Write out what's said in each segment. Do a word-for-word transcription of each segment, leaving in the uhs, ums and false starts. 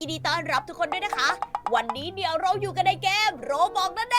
ยินดีต้อนรับทุกคนด้วยนะคะ วันนี้เดี๋ยวเราอยู่กันในเกมโรบอกนั่นเอง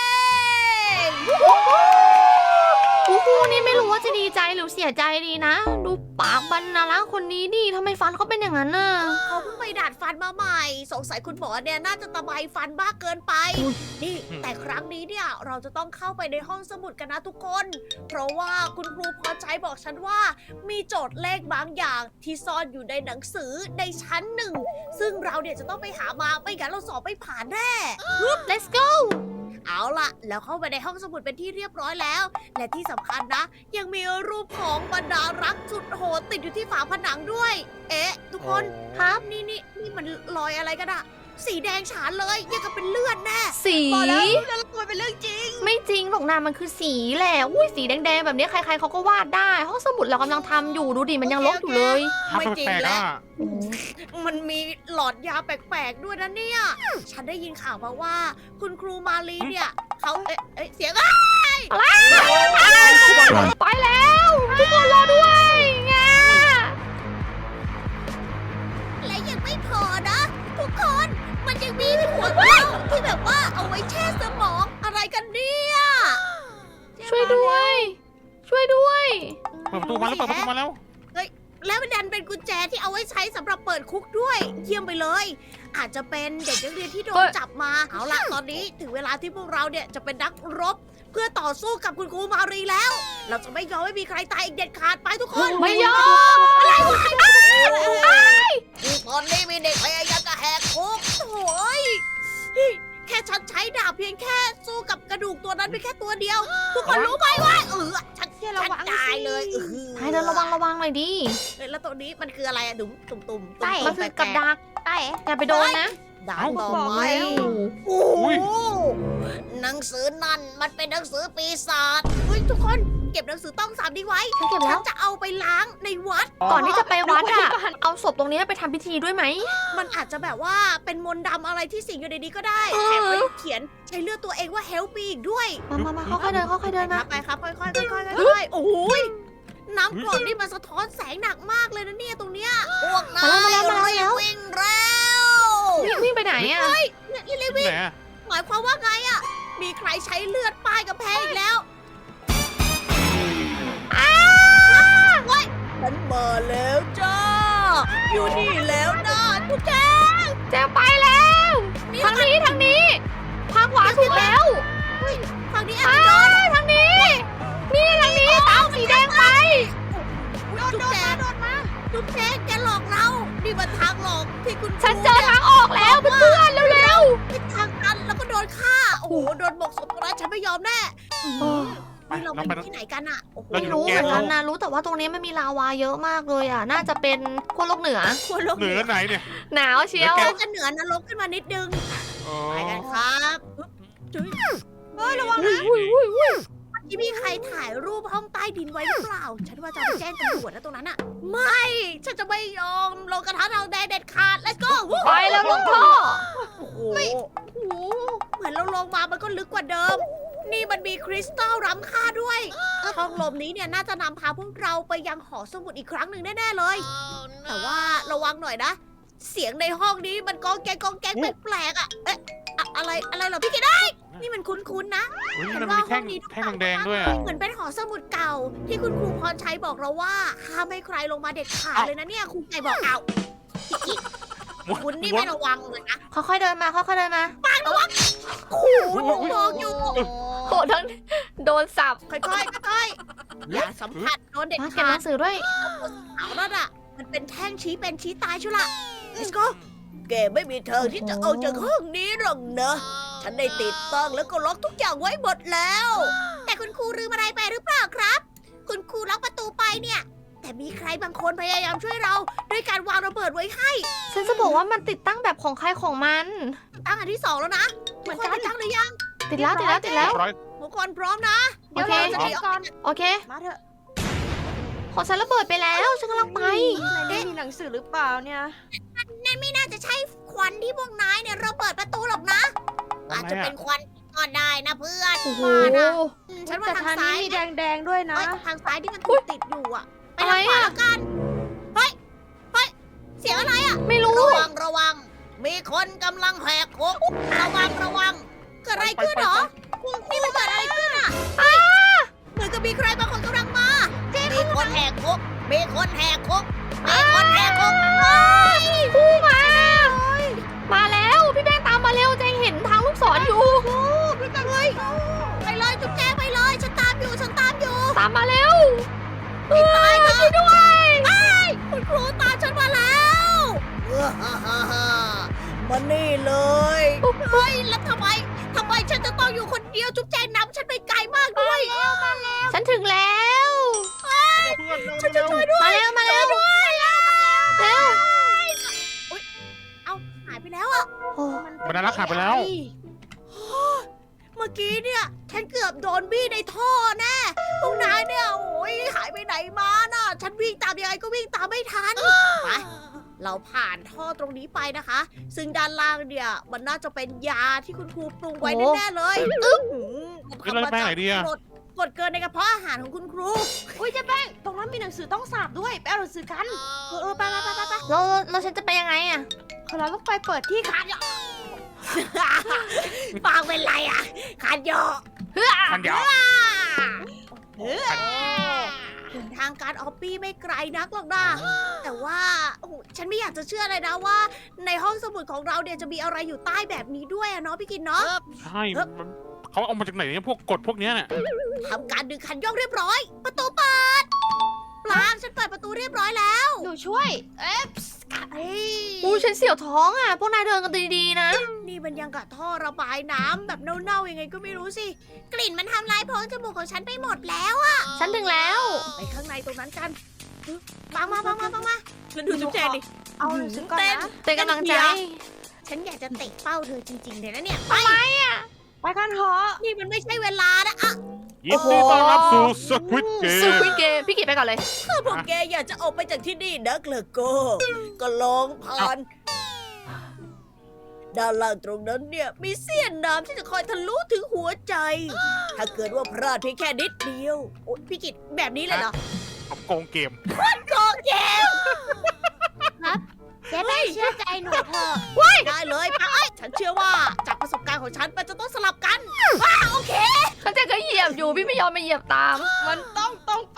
กูกูนี่ไม่รู้ว่าจะดีใจหรือเสียใจดีนะ ดูปากบรรณารักษ์คนนี้ดิทำไมฟันเขาเป็นอย่างนั้นน่ะเขาเพิ่งไปดัดฟันมาใหม่ สงสัยคุณหมอเนี่ยน่าจะตะไบฟันมากเกินไปนี่แต่ครั้งนี้เนี่ยเราจะต้องเข้าไปในห้องสมุดกันนะทุกคน เพราะว่าคุณครูพอใจบอกฉันว่า มีโจทย์เลขบางอย่างที่ซ่อนอยู่ในหนังสือในชั้นหนึ่งซึ่งเราเนี่ยจะต้องไปหามาไม่งั้นเราสอบไม่ผ่านแน่ let's go เอาล่ะ แล้วเข้าไปในห้องสมุดเป็นที่เรียบร้อยแล้ว และที่สำคัญนะ ยังมีรูปของบรรดารักสุดโหดติดอยู่ที่ฝาผนังด้วย เอ๊ะ ทุกคนครับนี่นี่นี่มันรอยอะไรกันอะสีแดงฉานเลยยังกับเป็นเลือดแน่สีบอกแล้วแล้วมันเป็นเรื่องจริงไม่จริงหรอกนะมันคือสีแหละอุ้ยสีแดงๆแบบนี้ใครๆเขาก็วาดได้ห้องสมุดเรากำลังทำอยู่ดูดิมันยังลบอยู่เลยไม่จริงแปลกๆแล้วอ่ะมันมีหลอดยาแปลกๆด้วยนะเนี่ย ฉันได้ยินข่าวมาว่า คุณครูมาลีเนี่ยเขาเอ๊ะเอ๊ะเสียงอะไปแล้วทุกคนรอด้วยงาและยังไม่พอนะ ทุกคนมันยังมีหัวเต่าที่แบบว่าเอาไว้แช่สมองอะไรกันเนี่ยช่วยด้วย ช่วยด้วยเปิดประตูมาแล้วเปิดประตูมาแล้วแล้วมันดันเป็นกุญแจที่เอาไว้ใช้สำหรับเปิดคุกด้วย เยี่ยมไปเลย อาจจะเป็นเด็กนักเรียนที่โดนจับมาเอาล่ะตอนนี้ถึงเวลาที่พวกเราเนี่ยจะเป็นนักรบ เพื่อต่อสู้กับคุณครูมารีแล้ว เราจะไม่ยอมให้มีใครตายอีกเด็ดขาดไปทุกคนไม่ยอมอะไรวะตอนนี้มีเด็กพยายามจะแหกคุกโอ้ยแค่ฉันใช้ดาบเพียงแค่สู้กับกระดูกตัวนั้นเพียงแค่ตัวเดียว ทุกคนรู้ไหมว่าเออฉันฉันตายเลยเออให้เดินระวังระวังหน่อยดิเฮ้ยแล้วตรงนี้มันคืออะไรอะดุมตุ่มตุ่มใช่มันคือกับดักใช่อย่าไปโดนนะดาวต่อไปโอ้โหหนังสือนั่นมันเป็นหนังสือปีศาจเฮ้ยทุกคนเก็บหนังสือต้องสามดีไว้ฉันเก็บแล้ฉัวนจะเอาไปล้างในวัดก่อนที่จะไปวัดอะเอาศพตรงนี้ไปทำพิธีด้วยไหมมันอาจจะแบบว่าเป็นมนต์ดำอะไรที่สิงอยู่ในนี้ก็ได้เออแถมไปเขียนใช้เลือดตัวเองว่า help me อีกด้วยมามามาค่อยๆเดินค่อยๆเดินคนะรับไปครับค่อยๆค่อยๆค่อยๆค่อยๆโอ้โหยน้ำกรดนี่มันสะท้อนแสงหนักมากเลยนะเนี่ยตรงเนี้ยพวกนายรีบวิ่งแล้ววิ่งวิ่งไปไหนอะนี่รีบที่วิ่งไหนอ่ะหมายความว่าไงอะมีใครใช้เลือดป้ายกับแพงอีกแล้วอ้าวเว้ยฉันมาแล้วจ้า อยู่นี่แล้วนะทุกแกแจงไปแล้วทางนี้ทางนี้ทางขวาถูกแล้วฝั่งนี้ไปอาจจะโดนทางนี้ นี่ทางนี้ตามสีแดงไปโดนโดนมาโดนมาทุกแกแกหลอกเรา นี่มันทางหลอกที่คุณฉันเจอทางออกแล้วเพื่อนๆเร็วเป็นทางตันแล้วก็โดนฆ่า โอ้โห โดนบอกศพตรงนั้นฉันไม่ยอมแน่ๆไปนี่เราเราไปไปที่ไหนกันอะโอ้โหเราไม่อยู่รู้แกเหมือนกันนะรู้แต่ว่าตรงนี้มันมีลาวาเยอะมากเลยอ่ะ น่าจะเป็นขั้วโลกเหนือควรลงเหนือไหนเนี่ยหนาวเชียวเราจะเหนือนรกขึ้นมานิดนึงอ๋อไปกันครับจุ๊ยเฮ้ยระวังอุ้นะยอุ้ยที่มีใครถ่ายรูปห้องใต้ดินไว้หรือเปล่า ฉันว่าจะไปแจ้งตำรวจนะตรงนั้นอะไม่ ฉันจะไม่ยอมลงกระทะเราแดงเด็ดขาด let's go ไปแล้วลูกพ่อโอ้โหโอ้โห เหมือนเราลงมามันก็ลึกกว่าเดิม นี่มันมีคริสตัลล้ำค่าด้วยห้องลมนี้เนี่ยน่าจะนำพาพวกเราไปยังหอสมุดอีกครั้งหนึ่งแน่ๆเลย แต่ว่าระวังหน่อยนะ เสียงในห้องนี้มันกองแกงกองแกงแปลกๆอ่ะ เอ๊ะอะอะไรอะไรเหรอพี่กิดได้ นี่มันคุ้นๆนะอุ้ยนี่มันมีแท่งแท่งแดงๆด้วยอ่ะเหมือนเป็นหอสมุดเก่า ที่คุณครูพรชัยบอกเราว่าห้ามให้ใครลงมาเด็ดขาดเลยนะเนี่ยครูไก่บอกเอาอีกคุณนี่ไม่ระวังเลยนะค่อยๆเดินมาค่อยๆเดินมาปางระวังโอ้โหมองอยู่โหทั้งโดนสับค่อยๆค่อยๆอย่าสัมผัสโดนเด็ดมาเก็บขาหดนังสือด้วยเอาแล้วอ่ะ มันเป็นแท่งชี้เป็นชี้ตายชุละ let's go แกไม่มีทางที่จะเอาจากห้องนี้หรอกนะ ฉันได้ติดตั้งแล้วก็ล็อกทุกอย่างไว้หมดแล้ว แต่คุณครูลืมอะไรไปหรือเปล่าครับ คุณครูล็อกประตูไปเนี่ย แต่มีใครบางคนพยายามช่วยเราด้วยการวางระเบิดไว้ให้ฉันจะบอกว่ามันติดตั้งแบบของใครของมันตั้งอันที่สองแล้วนะเหมืทุอก นคนกันไปตั้งหรือยังติดแล้วติดแล้วติดแล้วร้อยทุกคนพร้อมนะโอเคดี๋ยวราจะหนีกก่อนโอเคมาเถอะของฉันระเบิดไปแล้วฉันกำลังไปไม่มีหนังสือหรือเปล่าเนี่ยนั่นไม่น่าจะใช่ควันที่พวกนายเนี่ยระเบิดประตูหรอกนะ อาจจะเป็นควันก็ได้นะเพื่อนโอ้โหว่านะอืมฉันว่าแต่ทางทางซ้านี้ยมีแดงๆด้วยนะเอ้ยทางซ้ายที่มันติดติดอยู่อะไปทางขวาอะไรอะแล้วกัน เฮ้ย เฮ้ย เสียงอะไรอะไม่รู้ระวังระวังมีคนกำลังแหกคุกระวังระวังเกิดอะไรขึ้นเหรอนี่มันเกิดอะไรขึ้นอ่ะเหมือนกับมีใครบางคนกำลังมามีคนแหกคุกมีคนแหกคุกมีคนแหกคุกคู่มา มาแล้วพี่แป้งตามมาเร็วแจงเห็นทางลูกศรอยู่พี่แจงเลยไปเลยจุ๊บแจงไปเลยฉันตามอยู่ฉันตามอยู่ตามมาเร็วไม่ตายนะช่วยด้วยคุณครูตามฉันมาแล้วมานี่เลยเฮ้ยแล้วทำไมทำไมฉันจะต้องอยู่คนเดียวจุ๊บแจงนำฉันไปไกลมากด้วยฉันถึงแล้วเพื่อนเร็วฉันจะช่วยด้วยมาเร็วมาเร็วด้วยแล้วเร็วเอาหายไปแล้วอ่ะโอ้บรรดารักขาดไปแล้วเมื่อกี้เนี่ยฉันเกือบโดนบี้ในท่อแน่พวกนายเนี่ยโอ้ยหายไปไหนมาน่ะฉันวิ่งตามยังไงก็วิ่งตามไม่ทันไปเราผ่านท่อตรงนี้ไปนะคะ ซึ่งด้านล่างเนี่ยมันน่าจะเป็นยาที่คุณครูปรุงไว้แน่ๆเลยอึ๊บขึ้นเลยไปไหนดีอะกดกดเกินในกระเพาะอาหารของคุณครูอุ้ยเจ๊แป้งตรงนั้นมีหนังสือต้องสาบด้วยไปเอาหนังสือกันเออเออไปไปไปไปไปแล้วแล้วฉันจะไปยังไงอะเราต้องไปเปิดที่ค่ะปากเป็นไรอ่ะขาดเยอะทันยาวถึงทางการออปปี้ไม่ไกลนักหรอกนะแต่ว่าโอ้โหฉันไม่อยากจะเชื่อเลยนะว่า ในห้องสมุดของเราเนี่ยจะมีอะไรอยู่ใต้แบบนี้ด้วยอะเนาะพี่กินเนาะใช่มันเขาเอามาจากไหนเนี่ยพวกกฎพวกเนี้ยเนี่ยทำการดึงคันโยกเรียบร้อย ประตูเปิดปลางฉันเปิดประตูเรียบร้อยแล้วหนูช่วย เอ๊ะเฮ้ยอู้ฉันเสียวท้องอะพวกนายเดินกันดีๆนะนี่มันยังกับท่อระบายน้ำแบบเน่าๆยังไงก็ไม่รู้สิกลิ่นมันทำลายโพรงจมูกของฉันไปหมดแล้วอะฉันถึงแล้วไปข้างในตรงนั้นกันปังมาปังมาปังมาแล้วดูจุ๊บแจดิเอาหนังสือก่อนเต้นนะเป็นกำลังใจฉันอยากจะเตะเป้าเธอจริงๆเลยนะเนี่ยไปไปกันเถอะนี่มันไม่ใช่เวลานะอะยินดีต้อนรับสู่สควิตเกสุดมคุยเกมพี่กิจไปก่อนเลยถ้าพวกแกอยากจะออกไปจากที่นี่นะเกลอโก็ก็ลองผ่านด้านล่างตรงนั้นเนี่ยมีเสี้ยนน้ำที่จะคอยทะลุถึงหัวใจ ถ้าเกิดว่าพลาดเพียงแค่นิดเดียวโอ๊ยพี่กิตแบบนี้เลยเหรอเอาโกงเกมโกเกมเจ๊แป้งเชื่อใจหนูเถอะได้เลยปะเอ้ยฉันเชื่อว่าจากประสบการณ์ของฉันมันจะต้องสลับกันว้าโอเคเขาจะก็เหยียบอยู่พี่ไม่ยอมมาเหยียบตามมันต้องตรงไป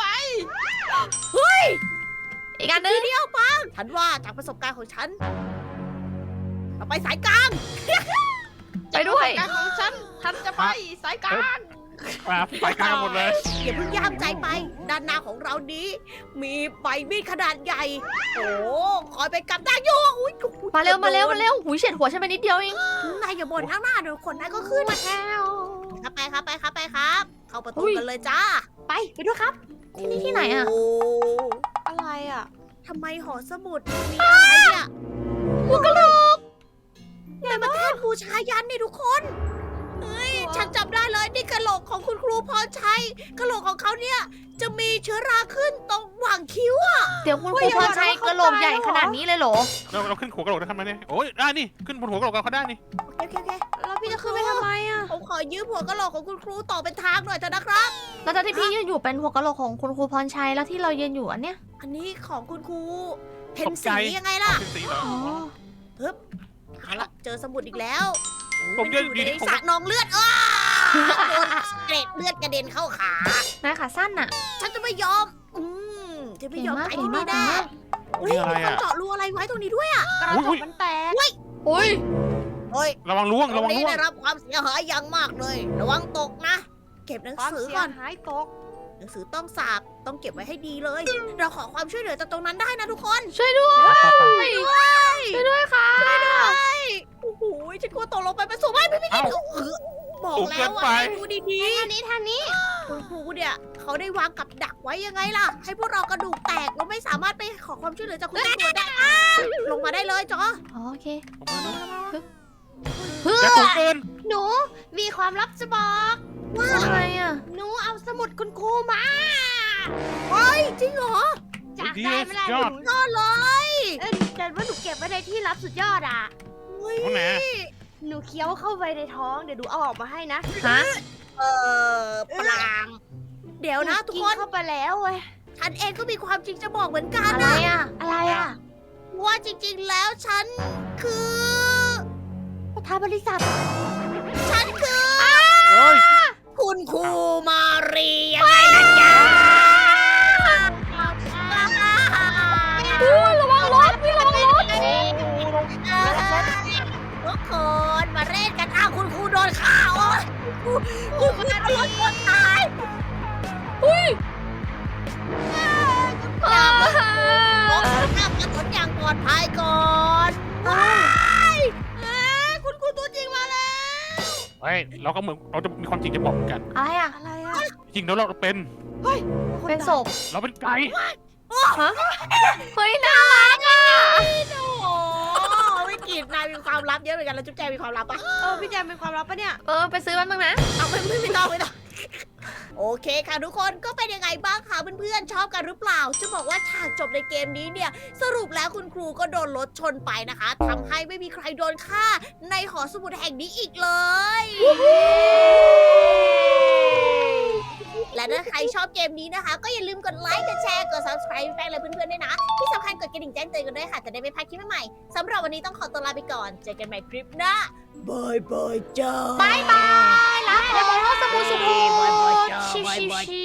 อีกอันนึทีงเดียวปังฉันว่าจากประสบการณ์ของฉันเราไปสายกลางไปด้วยการของฉันฉันจะไปสายกลางมาไปกลางหมดเลยอย่าเพิ่งย่ามใจไป ด้านหน้าของเรานี้ มีใบมีดขนาดใหญ่ โอ้คอยไปกับได้อยู่อุ้ยมาเร็วมาเร็วมาเร็วหูยเฉียดหัวฉันไปนิดเดียวเองนายอย่าบ่นข้างหน้าเดี๋ยวคนนั้นก็ขึ้นมาแล้วครับไปครับไปครับไปครับ เข้าประตูอุ้ยกันเลยจ้าไปไปด้วยครับที่นี่ที่ไหนอะโอะไรอ่ะทำไมหอสมุดมีอะไรเนี่ยหัวกะโหลกเนี่ยมาแทนบูชายันนี่ทุกคน เฮ้ย ฉันจำได้เลยนี่กะโหลกของคุณครูพรชัยกะโหลกของเขาเนี่ย จะมีเชื้อราขึ้นตรงหว่างคิ้วอะเดี๋ยวคุณครูพรชัยกระโหลกใหญ่ขนาดนี้เลยเหรอเราเราขึ้นหัวกระโหลกได้ทำไมเนี่ยโอ้ยได้นี่ขึ้นบนหัวกระโหลกเขาได้นี่โอเคโอเคแล้วพี่จะขึ้นไปทำไมอ่ะผมขอยืมหัวกะโหลกของคุณครูต่อเป็นทางหน่อยเถอะนะครับแล้วตอนที่พี่ยืนอยู่เป็นหัวกะโหลกของคุณครูพรชัยแล้วที่เรายืนอยู่อันเนี้ยอันนี้ของคุณครูเพนตกใจสียังไงล่ะเป็นสีเหรออ๋อเอาละเจอสมุดอีกแล้วผมมันเยอะอยู่ดีในที่ผมสระนองเลือดอ้าโดนเกล็ดเลือดกระเด็นเข้าขานายขาสั้นน่ะฉันจะไม่ยอม อืมจะไม่ยอมเก่ไปงมากที่นี่เก่งแน่มากเฮ้ยมีคนเจาะรูอะไรไว้ตรงนี้ด้วยอ่ะกระจกมันแตกอุ้ยเฮ้ยระวังล่วงตรระงวังนี้ล่วงได้รับความเสียหายอย่างมากเลย ระวังตกนะ เก็บหนังความสือเสียก่อนหายตกหนังสือต้องสาบต้องเก็บไว้ให้ดีเลย เราขอความช่วยเหลือจากตรงนั้นได้นะทุกคนช่วยด้วยไปไปช่วยด้วยค่ะโอ้โหฉันกลัวตกลงไปเป็นสูงไม่ไม่ไม่เอ้าเออบอกสูงแล้เกิวน ว่าไปให้ดูดีๆทางนี้ทางนี้คุณครูเนี่ยเขาได้วางกับดักไว้ยังไงล่ะ ให้พวกเรากระดูกแตกเราไม่สามารถไปขอความช่วยเหลือจากคุณตำรวจได้อ้าลงมาได้เลยจออ๋อโอเคผมมาแล้วเฮ้ยแต่สูงเกินหนูมีความลับจะบอกว่าอะไรอ่ะหนูเอาสมุดคุณครูมาเฮ้ยจริงเหรอจากดีได้ไม่ได้ยอดหนูยอดเลยเอ้ยแต่ว่าหนูเก็บไว้ในที่ลับสุดยอดอ่ะเฮ้ยตรงไหนหนูเคี้ยวเข้าไปในท้องเดี๋ยวดูเอาออกมาให้นะฮะเออปลางเดี๋ยวนะทุกคนเข้าไปแล้วเว้ยฉันเองก็มีความจริงจะบอกเหมือนกันอะไรนะอ่ะอะไรอ่ะว่าจริงๆแล้วฉันคือานบริษัทฉันคือเอ้ยคุณครูมารียังไงล่ะจ๊ะอู้ระวังรถพี่ระวังรถทุกคนมาเล่นกันอ้าวคุณครูโดนฆ่าโอ้ยคุณครูโดนรถชนตายอุ้ยอย่ามาลงน้ำถนนอย่างปลอดภัยก่อนว้ายเอ้ยคุณครูตัวจริงมาแล้วเฮ้ยเราก็เหมือนเราจะมีความจริงจะบอกกันอะไรอ่ะอะไรอะจริงแล้วเราเป็นเป็นศพเราเป็นไก่ฮะเฮ้ยน่ารักอ่ะโอ้โหไม่กินนายมีความลับเยอะเหมือนกันแล้วจุ๊บแจงมีความลับปะเออพี่แจมเป็นความลับปะเนี่ยเออไปซื้อมันบ้างนะเอาไม่ไม่ไม่ต้องไม่ต้องโอเคค่ะทุกคนก็เป็นยังไงบ้างคะเพื่อนๆชอบกันหรือเปล่า จะบอกว่าฉากจบในเกมนี้เนี่ย สรุปแล้วคุณครูก็โดนรถชนไปนะคะทำให้ไม่มีใครโดนฆ่าในหอสมุดแห่งนี้อีกเลย และถ้าใครชอบเกมนี้นะคะ ก็อย่าลืมกดไลค์ กดแชร์ กด subscribe แป้งเลยเพื่อนๆด้วยนะ ที่สำคัญกดกระดิ่งแจ้งเตือนกันด้วยค่ะ จะได้ไม่พลาดคลิปใหม่ๆสำหรับวันนี้ต้องขอตัวลาไปก่อน เจอกันใหม่คลิปหน้าบายบายจ้าบายบายลาไปแล้วสบู่สบู่บายบายจ้าชิบายชิบายชิ